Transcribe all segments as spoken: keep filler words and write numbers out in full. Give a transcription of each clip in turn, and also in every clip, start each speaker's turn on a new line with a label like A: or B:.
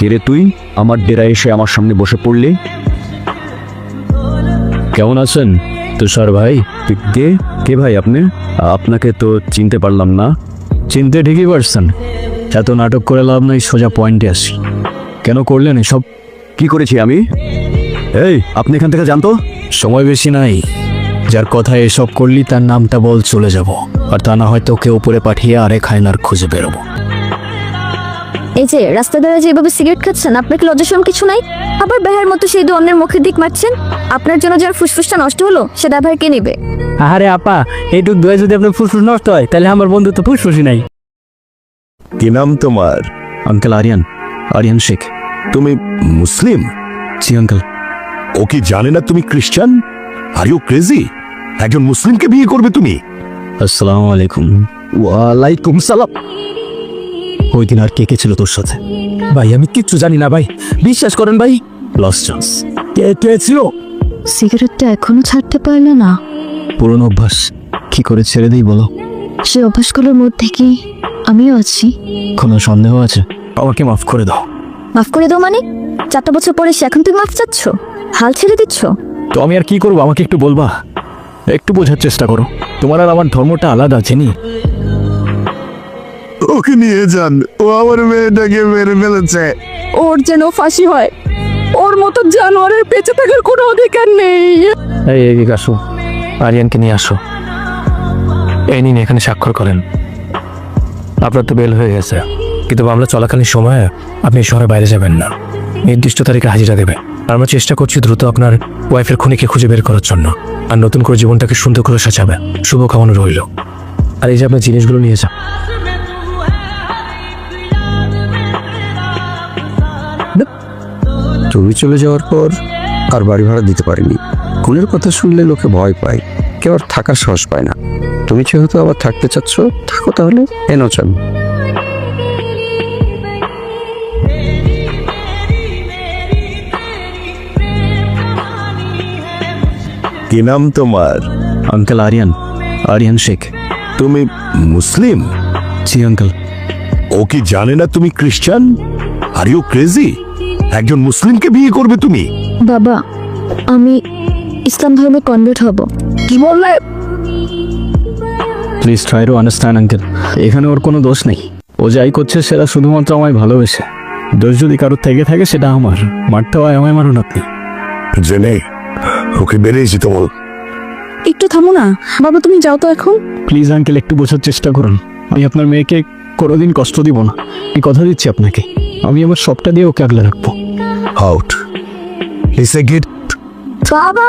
A: কে তুই আমার ডেরায় এসে আমার সামনে বসে পড়লি?
B: কেমন আছেন তুষার ভাই?
A: কে কে ভাই আপনি? আপনাকে তো চিনতে পারলাম না।
B: চিনতে ঠিকই পারছেন, এত নাটক করে লাভ নাই, সোজা পয়েন্টে আসি। কেন করলেন এসব?
A: কি করেছি আমি? এই আপনি এখান থেকে জানতো?
B: সময় বেশি নাই, যার কথা এসব করলি তার নামটা বল, চলে যাব। আর তা না হয়তো ওকে উপরে পাঠিয়ে আরেক হায়নার খুঁজে বেরোবো।
C: এই যে রাস্তা ধারে যেভাবে সিগারেট খাচ্ছেন, আপনার কি লজ্জা শরম কিছু নাই? আবার বেহার মতো সেই অন্যের মুখের দিক মারছেন। আপনার জন্য যার ফুসফুসটা নষ্ট হলো সে ড্রাইভার কে নেবে?
D: আরে আপা, এইটুক দোয়া যদি আপনার ফুসফুস নষ্ট হয় তাহলে আমার বন্ধু তো ফুসফুসই নাই।
E: কি নাম তোমার?
B: আঙ্কেল আরিয়ান, আরিয়ান শেখ।
E: তুমি মুসলিম?
B: জি আঙ্কেল।
E: ও কি জানে না তুমি খ্রিস্টান? Are you crazy? একজন মুসলিমকে বিয়ে করবে তুমি?
B: আসসালামু আলাইকুম।
A: ওয়ালাইকুম সালাম।
B: ওই দিন আর কে কে ছিল তোর সাথে?
D: ভাই আমি কিচ্ছু জানি না ভাই, বিশ্বাস করেন ভাই।
B: Loss chance.
D: কে কে ছিল?
C: সিগারেটটা এখনো ছাড়তে পারলো না।
B: পুরনো অভ্যাস, কি করে ছেড়ে দিই বলো?
C: সে অভ্যাসগুলোর মধ্যে কি আমিও আছি?
B: কোনো সন্দেহ আছে? আমাকে মাফ করে দাও।
C: মাফ করে দাও মানে? চারটা বছর পরে সে এখন তুমি মাফ চাচ্ছ? হাল ছেড়ে দিচ্ছ?
B: তো আমি আর কি করবো, আমাকে একটু বলবা? একটু বোঝার চেষ্টা করো, তোমার আর আমার ধর্মটা আলাদা, চিনি।
E: ওকে নিয়ে যান, ও আমার মেয়েটাকে মেরে ফেলেছে।
F: ওর যেন ফাঁসি হয়। ওর মতো জানোয়ারের বেঁচে থাকার কোনো অধিকার নেই।
B: এই এদিকে আসো, আরিয়ানকে নিয়ে আসো। এই নিন, এখানে স্বাক্ষর করেন। আপনার তো বেল হয়ে গেছে, কিন্তু মামলা চলাকালীন সময়ে আপনি শহরের বাইরে যাবেন না, নির্দিষ্ট তারিখে হাজিরা দেবেন। আমরা চেষ্টা করছি দ্রুত আপনার ওয়াইফের খুনিকে খুঁজে বের করার জন্য, আর নতুন করে জীবনটাকে সুন্দর করে সাজাবে। শুভকামনা রইল। আর এই যে আপনার জিনিসগুলো নিয়ে যান।
A: তুমি চলে যাওয়ার পর আর বাড়ি ভাড়া দিতে পারিনি। খুনের কথা শুনলে লোকে ভয় পায়, কেউ আর থাকার সাহস পায় না। তুমি যেহেতু আবার থাকতে চাচ্ছ, থাকো তাহলে। এনো চান।
E: কি নাম তোমার?
B: আঙ্কেল আরিয়ান, আরিয়ান শেখ।
E: তুমি মুসলিম?
B: জি আঙ্কেল।
E: ও কি জানে না তুমি খ্রিস্টান? Are you crazy? একজন মুসলিমকে বিয়ে করবে তুমি?
C: বাবা, আমি ইসলাম ধর্মে কনভার্ট হব।
F: কি বললে?
B: Please try to understand uncle, এখানে ওর কোনো দোষ নেই। ও যাই করছে সেটা শুধুমাত্র আমায় ভালোবেসে। দোষ যদি কারোর থেকে থাকে সেটা আমার। মারতে হয় আমায়, মারুন আপনি।
E: জেনে ওকে বেরিয়েছি তো বল।
F: একটু থামো না বাবা, তুমি যাও তো এখন।
B: প্লিজ আঙ্কেল, একটু বোঝার চেষ্টা করুন। আমি আপনার মেয়েকে কোনোদিন কষ্ট দিব না, আমি কথা দিচ্ছি আপনাকে। আমি আমার সবটা দিয়ে ওকে আগলে রাখবো।
E: Out is a gate.
C: বাবা,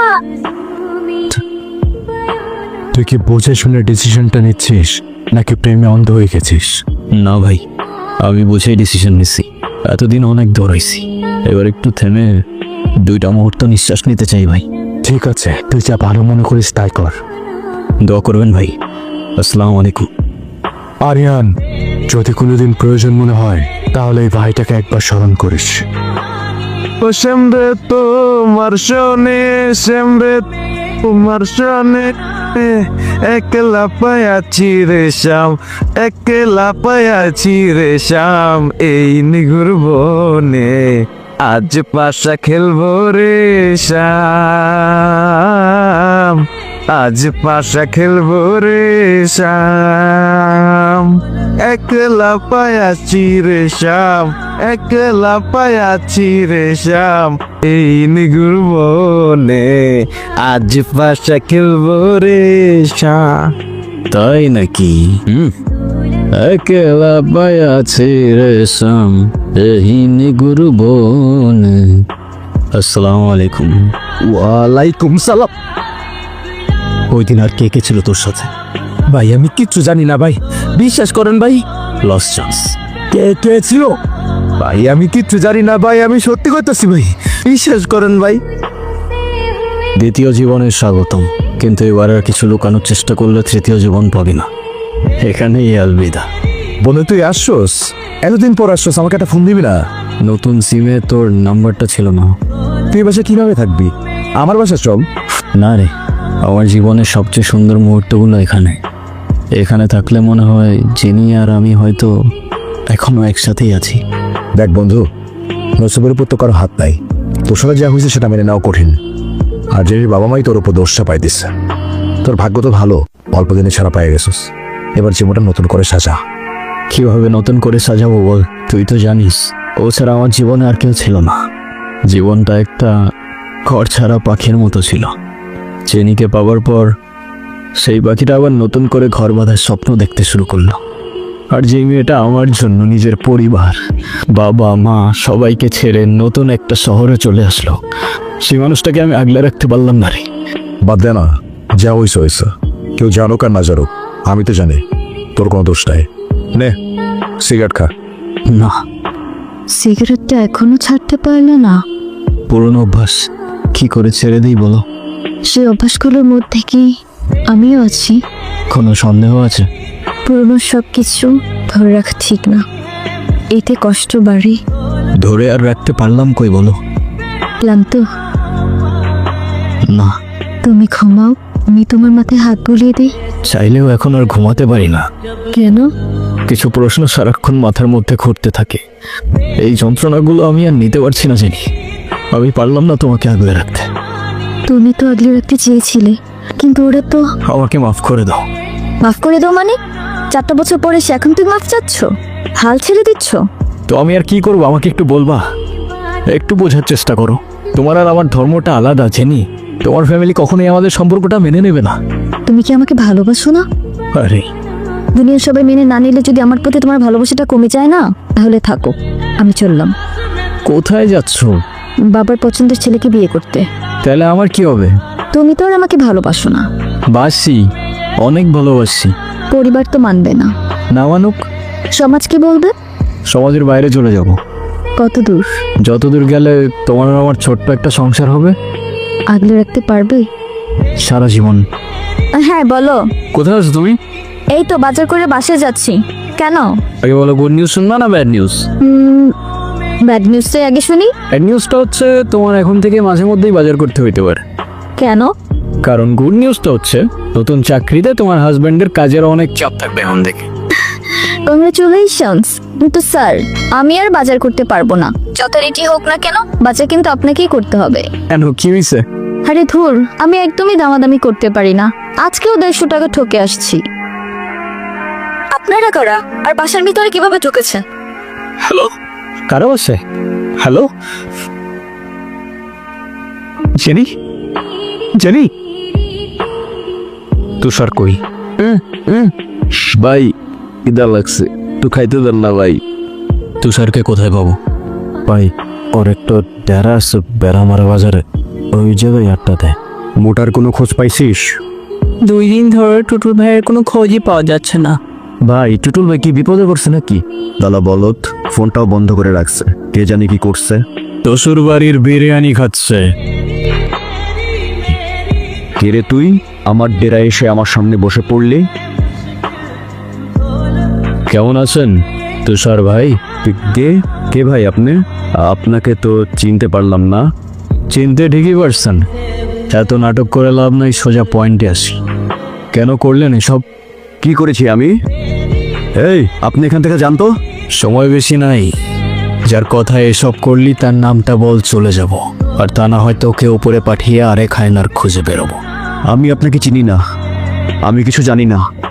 B: তুই কি বুঝে শুনে ডিসিশনটা নিচ্ছিস, নাকি প্রেমে অন্ধ হয়ে গেছিস? না ভাই, আমি বুঝেই ডিসিশন নিচ্ছি। এতদিন অনেক দৌড়াইছি, এবার একটু থেমে দুইটা মুহূর্ত নিঃশ্বাস নিতে চাই ভাই। ঠিক আছে, তুই যা ভালো মনে করিস তাই কর। দোয়া করবেন ভাই। আসসালামু আলাইকুম।
G: আরিয়ান, যদি কোনোদিন প্রয়োজন মনে হয় তাহলে এই ভাইটাকে একবার স্মরণ করিস।
E: সেমরে তোমার শোনে, সেমরে তোমার শোনে, একলা পায়াছি রে শ্যাম, একলা পায়াছি রে শ্যাম, এই নিগুর বনে আজ পাশা খেলবো রে শ্যাম, আজ পাশা খেলবো রে শ্যাম, একলা পায়াছি রে শ্যাম, একলা পায়াছি রে শ্যাম, এই নিগুর বনে আজ পাশা খেলবো রে শ্যাম।
B: তাই নাকি? হুম, একলা পায়াছি রে শ্যাম, এই নিগুর বনে। আসসালামু আলাইকুম।
A: ওয়ালাইকুম সালাম।
B: ওই দিন আর কে কে ছিল তোর সাথে?
D: ভাই আমি কিচ্ছু জানি না ভাই, বিশ্বাস করেন ভাই।
B: Loss chance.
D: কে কে ছিল? ভাই আমি কিচ্ছু জানি না ভাই, আমি সত্যি করতেছি ভাই, বিশ্বাস করেন ভাই।
B: দ্বিতীয় জীবনের স্বাগতম, কিন্তু এবার আর কিছু লুকানোর চেষ্টা করলে তৃতীয় জীবন পাবি না। এখানেই আলবিদা।
D: বলে তুই আসছোস, এতদিন পর আসছোস, আমাকে একটা ফোন দিবি না?
B: নতুন সিমে তোর নাম্বারটা ছিল না।
D: তুই বাসা কিভাবে থাকবি? আমার বাসা চল।
B: না রে, আমার জীবনের সবচেয়ে সুন্দর মুহূর্তগুলো এখানে। এখানে থাকলে মনে হয় জিনি আর আমি হয়তো এখনো একসাথেই আছি।
D: দেখ বন্ধু, নসিবের উপর তো কারো হাত নাই, তোর সাথে যা হয়েছে সেটা মেনে নেওয়া কঠিন। আর যে বাবা মাই তোর উপর দোষটা পাই দিচ্ছে। তোর ভাগ্য তো ভালো, অল্প দিনে ছাড়া পাই গেছিস। এবার জীবনটা নতুন করে সাজা।
H: কিভাবে নতুন করে সাজাবো বল? তুই তো জানিস ও ছাড়া আমার জীবনে আর কেউ ছিল না। জীবনটা একটা ঘর ছাড়া পাখির মতো ছিল। চেনিকে পাওয়ার পর সেই পাখিটা আবার নতুন করে ঘর বাঁধার স্বপ্ন দেখতে শুরু করলো। আর যে মেয়েটা আমার জন্য নিজের পরিবার, বাবা মা সবাইকে ছেড়ে নতুন একটা শহরে চলে আসলো, সেই মানুষটাকে আমি আগলে রাখতে পারলাম না রে।
D: বাদ দে না, যা হয়েছে হয়েছে। কেউ জানুক আর না জানুক, আমি তো জানি তোর কোনো দোষ নাই। নে সিগারেট খা।
H: না,
C: সিগারেটটা এখনো ছাড়তে পারলে না?
H: পুরনো অভ্যাস, কি করে ছেড়ে দিই বলো?
C: সেই অভ্যাসগুলোর মধ্যে কি আমিও আছি?
H: কোনো সন্দেহ আছে?
C: পুরনো সব কিছু ধরে রাখা ঠিক না, এতে কষ্ট বাড়ে।
H: ধরে আর রাখতে পারলাম কই বলো?
C: ক্লান্ত?
H: না,
C: তুমি ঘুমাও, আমি তোমার মাথায় হাত বুলিয়ে দিই।
H: চাইলেও এখন আর ঘুমাতে পারি না।
C: কেন?
H: কিছু প্রশ্ন সারাক্ষণ মাথার মধ্যে ঘুরতে থাকে। এই যন্ত্রণাগুলো আমি আর নিতে পারছি না জানি। আমি পারলাম না তোমাকে আগলে রাখতে।
C: তুমি তো আগলে রাখতে চেয়েছিলে, কিন্তু ওরা তো।
H: আমাকে মাফ করে দাও।
C: মাফ করে দাও মানে? চারটা বছর পরে সে এখন তুমি মাফ চাচ্ছ? হাল ছেড়ে দিচ্ছ?
H: তো আমি আর কি করবো, আমাকে একটু বলবা? একটু বোঝার চেষ্টা করো। তোমার আর আমার ধর্মটা আলাদা জেনি। তোমার ফ্যামিলি কখনোই আমাদের সম্পর্কটা মেনে নেবে না।
C: তুমি কি আমাকে ভালোবাসো না?
H: আরে
C: দুনিয়ার সবাই মেনে না নিলে যদি আমার প্রতি তোমার ভালোবাসাটা কমে যায় না, তাহলে থাকো, আমি চললাম।
H: কোথায় যাচ্ছ?
C: বাবার পছন্দের ছেলেকে বিয়ে করতে।
H: তাহলে আমার কি হবে?
C: তুমি তো আর আমাকে ভালোবাসো না।
H: বাসি, অনেক ভালোবাসি।
C: পরিবার তো মানবে না।
H: না মানুক?
C: সমাজ কি বলবে?
H: সমাজের বাইরে চলে যাব।
C: কত দূর?
H: যতদূর গেলে তোমার আর আমার ছোট্ট একটা সংসার হবে।
C: আগলে রাখতে পারবে?
H: সারা জীবন।
C: হ্যাঁ বলো।
H: কোথায় আছো তুমি?
C: এই তো বাজার করে বাসায় যাচ্ছি। কেন?
H: আগে বলো, গুড নিউজ শুনবা না ব্যাড নিউজ?
C: ব্যাড নিউজটাই আগে শুনি।
H: ব্যাড নিউজটা হচ্ছে তোমার এখন থেকে মাঝে মধ্যেই বাজার করতে হইতে পারে।
C: কেন?
H: কারণ গুড নিউজটা হচ্ছে নতুন চাকরিতে তোমার হাজবেন্ডের কাজের অনেক চাপ থাকবে এখন থেকে।
C: কংগ্রেচুলেশনস। কিন্তু স্যার, আমি আর বাজার করতে পারবো না। যত রেটি হোক না কেন, বাজার কিন্তু আপনাকেই করতে হবে।
H: কেন, কি হয়েছে?
C: আরে ধুর, আমি একদমই দামাদামি করতে পারি না। আজকেও দেড়শো টাকা ঠকে আসছি। আপনারা কারা আর বাসার ভিতরে কিভাবে ঢুকেছেন?
H: হ্যালো, কারো আছে? Hello jenny, jenny. তুষার কই? ভাই ইদা লাগছে, তুই খাইতে দেন না ভাই। তুষারকে কোথায় পাবো? ভাই ওর একটা ডেরা আছে বেড়ামারা বাজারে, ওই জায়গায় আটটাতে।
A: মোটার কোনো খোঁজ পাইছিস?
F: দুই দিন ধরে টুটুল ভাইয়ের কোনো খোঁজই পাওয়া যাচ্ছে না।
H: ভাই টুটুল ভাই কি বিপদে পড়ছে নাকি?
D: দালা বলত, ফোনটাও বন্ধ করে রাখছে, কে জানি কি করছে।
H: তসুর বাড়ির বিরিয়ানি খাচ্ছে।
A: কে রে তুই? আমার ডেরায় এসে আমার সামনে বসে পড়লি?
H: কেমন আছেন তুষার ভাই?
A: কে কে ভাই আপনি? আপনাকে তো চিনতে পারলাম না।
H: চিনতে ঠিকই পারছেন। এত নাটক করে লাভ নাই, সোজা পয়েন্টে আসি। কেন করলেন এসব?
A: কি করেছি আমি? এই আপনি এখান থেকে জানতো?
H: সময় বেশি নাই। যার কথা এসব করলি তার নামটা বল, চলে যাব। আর তা না হয়তো ওকে উপরে পাঠিয়ে আরেক হায়নার খুঁজে বেরোবো।
A: আমি আপনাকে চিনি না, আমি কিছু জানি না।